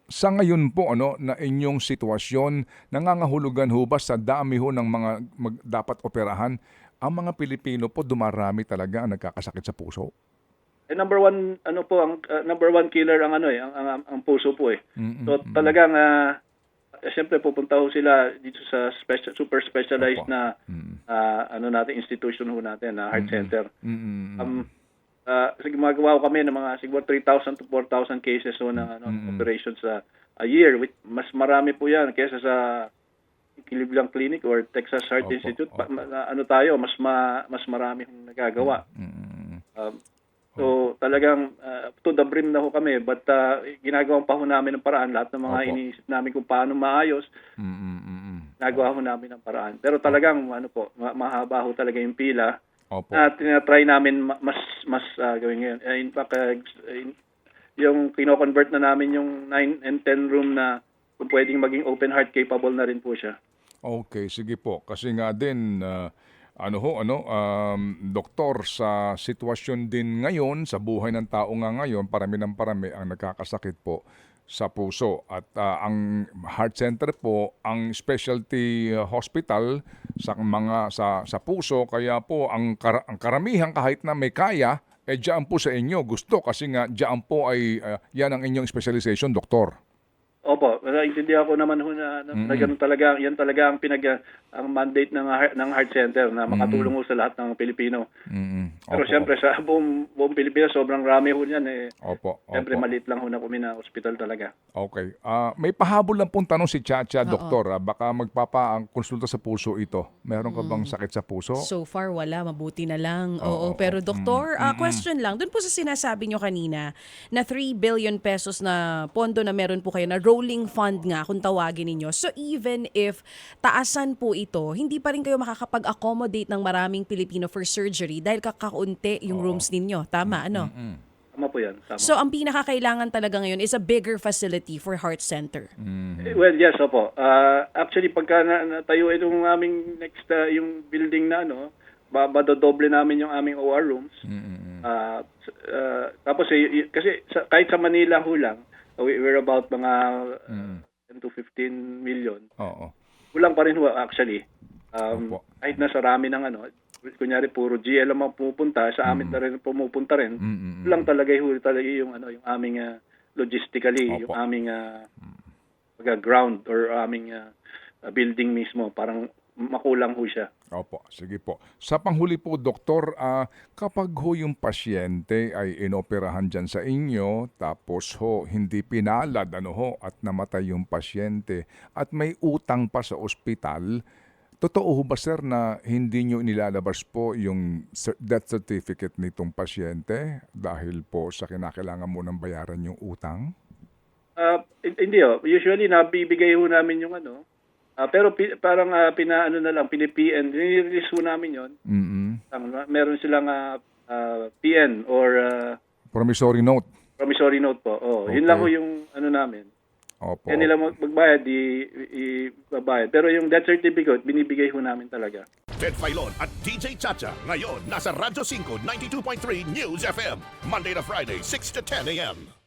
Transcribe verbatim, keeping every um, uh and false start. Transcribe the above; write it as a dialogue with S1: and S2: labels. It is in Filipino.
S1: Sa ngayon po ano na inyong sitwasyon, nangangahulugan ho ba sa dami ho ng mga mag dapat operahan, ang mga Pilipino po dumarami talaga ang nagkakasakit sa puso?
S2: Eh, number one ano po ang ah, number one killer ang ano eh, ang ang, ang puso po eh.
S1: Mm,
S2: So
S1: mm.
S2: talagang ah, eh, siyempre pupunta ho sila dito sa special, super specialized
S1: Opo.
S2: na
S1: Mm.
S2: ah, ano natin institution ho natin na heart
S1: Mm.
S2: center.
S1: Mm, mm.
S2: Um ah, sige, gumagawa ho kami ng mga siguro three thousand to four thousand cases ho ng ano
S1: Mm.
S2: operations sa a year, which mas marami po 'yan kaysa sa Cleveland Clinic or Texas Heart
S1: Opo,
S2: Institute. Pa-
S1: opo.
S2: ma- na- ano tayo, mas ma, mas marami hong nagagawa.
S1: Mm.
S2: Um, so talagang uh, to the brim na ho kami, but uh, ginagawa pa ho namin ng paraan lahat ng mga
S1: Opo.
S2: iniisip namin kung paano maayos,
S1: Mm, mm, mm.
S2: nagawa ho namin ng paraan. Pero talagang ano po, ma- mahaba ho talaga yung pila.
S1: Opo.
S2: Na tinatry namin ma- mas mas uh, gawin ngayon. Uh, in fact, uh, in- yung kino-convert na namin yung nine and ten room na kung pwedeng maging open heart capable na rin po siya.
S1: Okay, sige po. Kasi nga din, ah, ano ho, ano, um, doktor, sa sitwasyon din ngayon, sa buhay ng tao nga ngayon, parami ng parami ang nagkakasakit po sa puso. At ah, ang heart center po, ang specialty ah, hospital sa mga sa sa puso, kaya po ang, kar- ang karamihan kahit na may kaya, eh diyan po sa inyo gusto kasi nga diyan po ay ah, yan ang inyong specialization, doktor.
S2: Opo, naiintindihan ko naman ho na, na, na ganun talaga, yan talaga ang pinag ang mandate ng heart- ng heart center na makatulong ho sa lahat ng Pilipino.
S1: Mm.
S2: Pero
S1: Opo,
S2: siyempre sa buong, buong Pilipinas sobrang rami ho niyan eh.
S1: opo,
S2: Siyempre
S1: opo.
S2: maliit lang ho na kami na ospital talaga.
S1: Okay. Ah, may pahabol lang pong tanong si Chacha,
S3: Oo.
S1: doktor. ah. Baka magpapa ang konsulta sa puso ito. Meron ka bang sakit sa puso?
S3: So far, wala. Mabuti na lang.
S1: Oo,
S3: Oo. Pero
S1: oo.
S3: doktor, ah, question lang. Doon po sa sinasabi nyo kanina na three billion pesos na pondo na meron po kayo na rolling fund nga kung tawagin ninyo. So even if taasan po ito, hindi pa rin kayo makakapag-accommodate ng maraming Pilipino for surgery dahil kakaunti yung rooms ninyo. Tama, ano?
S1: Mm.
S2: Tama po yan. Tama.
S3: So ang pinakakailangan talaga ngayon is a bigger facility for heart center.
S2: Eh, well, yes, opo. Ah, actually, pagka na, natayo itong aming next, ah, yung building na ano, ba badodoble namin yung aming O R rooms.
S1: Mm.
S2: Ah, s- ah, tapos eh, y- kasi sa, kahit sa Manila ho lang, we, we're about mga
S1: Mm.
S2: ten to fifteen million.
S1: Oo.
S2: Kulang pa rin ho actually. Um,
S1: Opo.
S2: kahit nasa rami ng ano, kunyari puro G L ang pumupunta, sa amin na rin pumupunta rin.
S1: Mm.
S2: Kulang talaga ho talaga yung ano, yung aming ah, logistically,
S1: Opo.
S2: yung aming ah, baga ground or aming ah, ah, building mismo, parang makulang ho siya.
S1: Opo, sige po. Sa panghuli po, doktor, ah, kapag ho yung pasyente ay inoperahan dyan sa inyo, tapos ho hindi pinalad ano ho, at namatay yung pasyente, at may utang pa sa ospital, totoo ho ba sir na hindi nyo nilalabas po yung cer- death certificate nitong pasyente dahil po sa kinakailangan mo ng bayaran yung utang?
S2: Ah, hin- hindi ho. Usually nabibigay ho namin yung ano. Ah, pero pi- parang ah, pinaano na lang, pini-P N, nire-release ho namin 'yon.
S1: Mm.
S2: Meron silang ah, ah, P N or ah,
S1: Promissory note.
S2: promissory note po. Oh, yun
S1: Okay.
S2: lang ho yung ano namin.
S1: Opo.
S2: Kaya nila mag- magbayad, di ibabayad. Pero yung death certificate, binibigay ho namin talaga.
S4: Ted Filon at D J Chacha. Ngayon, nasa Radyo five ninety-two point three News F M. Monday to Friday, six to ten a m